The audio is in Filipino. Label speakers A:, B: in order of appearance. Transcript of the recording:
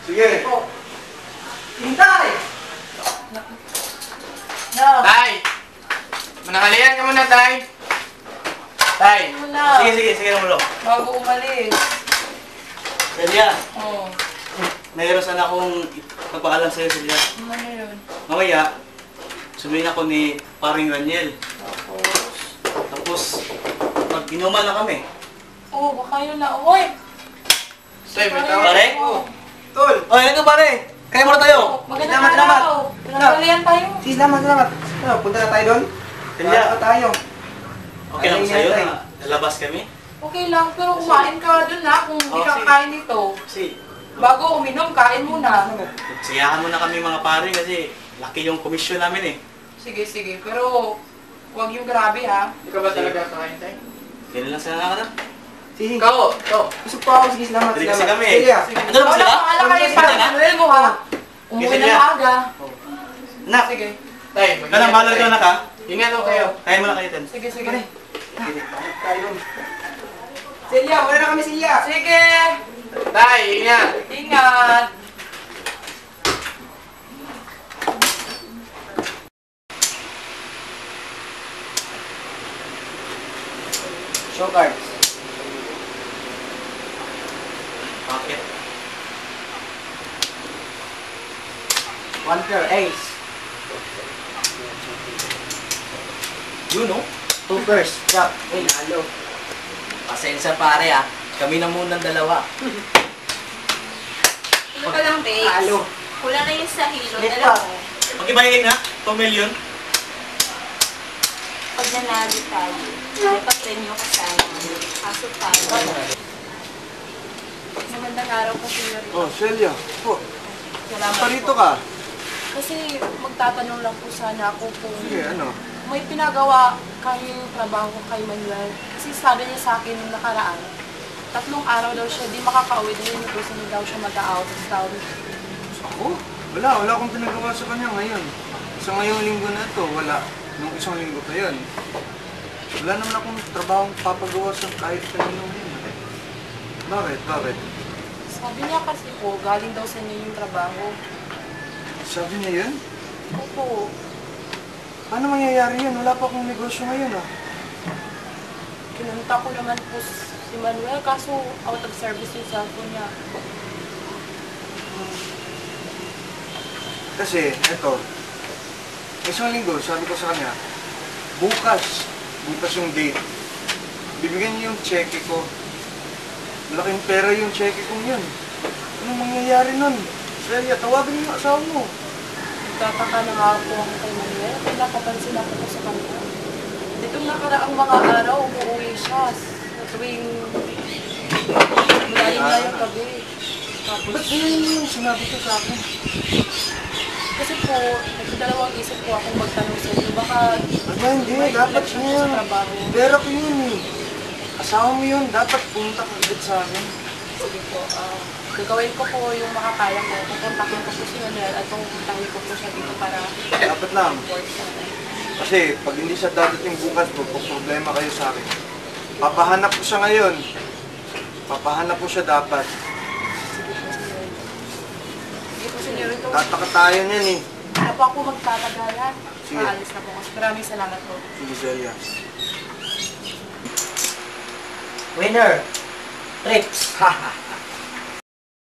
A: Sige.
B: Po. Hintay! No.
C: Tay! Manahalian ka muna, Tay! Tay!
B: Wala.
A: Sige namulo.
B: Bago umalis.
A: Celia,
B: Oo.
A: mayroon sana akong pagpaalam sa'yo, Celia.
B: Ano yun?
A: Mamaya, sumihin ako ni Paring Raniel.
B: Tapos?
A: Pag inuman na kami.
B: Oo, baka yun na. Uy!
C: Tay, may
B: Pare.
C: tawag.
A: Pare?
C: Tol!
A: Oy, ano pare? Kaya muna tayo.
B: Magandang araw. Pinagalian tayo.
D: Sige, salamat. Ano, punta na tayo doon?
A: Celia,
D: Wala pa tayo.
A: okay lang sa'yo na lalabas kami?
B: Okay lang, pero kumain ka dun na kung hindi ka
A: Okay.
B: kain nito.
A: Kasi,
B: Bago uminom, kain muna.
A: siyakan muna kami mga pare kasi laki yung komisyon namin eh.
B: Sige, pero huwag yung grabe ha.
C: Ikaw ba talaga kakain, Tay?
A: Kailan lang sana na.
D: Sige,
C: Ikaw! Ito!
D: busog pa ako. Sige, salamat.
A: Dali kasi kami.
D: Celia.
B: Sige.
A: Ano naman sila?
B: Wala kayo
D: Sige,
B: para
A: sige.
B: Manuel mo ha. Umuwi
A: Sige,
B: na
A: sige.
B: maaga.
A: Nak,
B: Sige.
C: Tay,
A: ganang bahala ito na ka.
C: Ingat ho kayo.
A: Kaya mo na kayo, Ten.
B: Sige.
D: Pare, tayo doon. Celia, wala na kami, Celia.
B: Sige.
C: Tay, ingat!
B: Ingat.
D: Show cards.
A: Bakit?
D: One pair, ace.
A: Yun, no?
D: Two pairs, jack. Uy, nalo.
E: Pasensya pare ah. Kami na munang dalawa.
F: Ano ka lang, babes?
D: Nalo.
F: Kulang na yung sa hilo.
D: Ulit
F: Dala
D: pa.
F: mo.
A: Pag-ibayin na, 2 million.
F: Pag nanalo tayo, may pa-premyo ka sana. Kaso tayo.
B: Magandang araw po, Senyorita.
D: Oh, Celia. Oh,
B: Salamat
D: parito
B: po.
D: ka.
B: Kasi magtatanong lang po sana ako kung
D: Sige, ano?
B: may pinagawa kayong trabaho kay Manuel. Kasi sabi niya sa akin nung nakaraan, 3 araw daw siya di makakauwi dahil yung gusto niya daw siya mag-out of town.
D: Ako? Wala akong pinagawa sa kanya ngayon. Sa ngayong linggo na ito, wala. Nung isang linggo pa yun. Wala naman akong trabaho papagawa sa kahit kaninong yun. Bakit?
B: Sabi niya kasi po, galing daw sa inyo yung trabaho.
D: Sabi niya yun?
B: Opo.
D: Paano mangyayari yun? Wala pa akong negosyo ngayon ah.
B: Kinunta ko naman po si Manuel, kaso out of service yung cellphone niya.
D: Kasi, eto, isang linggo, sabi ko sa kanya, bukas yung date. Bibigyan niyo yung cheque ko. Malaking pera yung cheque kong yun. Anong mangyayari nun? Celia, tawagin mo yung asawa mo.
B: Nagtataka na nga po ako kay Manuel, kaya napapansin ako po sa kanya. Ditong nakaraang mga araw, umuwi siya sa tuwing malalim na yung gabi. Tapos,
D: Ba't ganyan yung sinabi ko sa akin?
B: kasi po, nagdalawang isip po akong magtanong sa inyo. Baka
D: Aba, hindi.
B: may
D: Dapat
B: connection
D: na
B: po
D: yun.
B: sa trabaho.
D: Pera ko yun eh. Asawa mo yun. Dapat punta ka agad sa akin.
B: Sige po, gagawin ko po yung makakaya ko. Pupuntakin ko po si Manuel at pupuntahin ko po siya dito para
D: Dapat lang.
B: report sa akin.
D: Kasi pag hindi siya dadating bukas, magpo-problema kayo sa akin. Papahanap ko siya ngayon. Papahanap ko siya dapat.
B: Sige po, senyorito.
D: Tataka tayo niyan eh.
B: Ano po ako magtatagalan?
D: Sige.
B: Maalis na po. Maraming salamat po.
D: Sige, Celia.
E: Winner! Trips! Haha!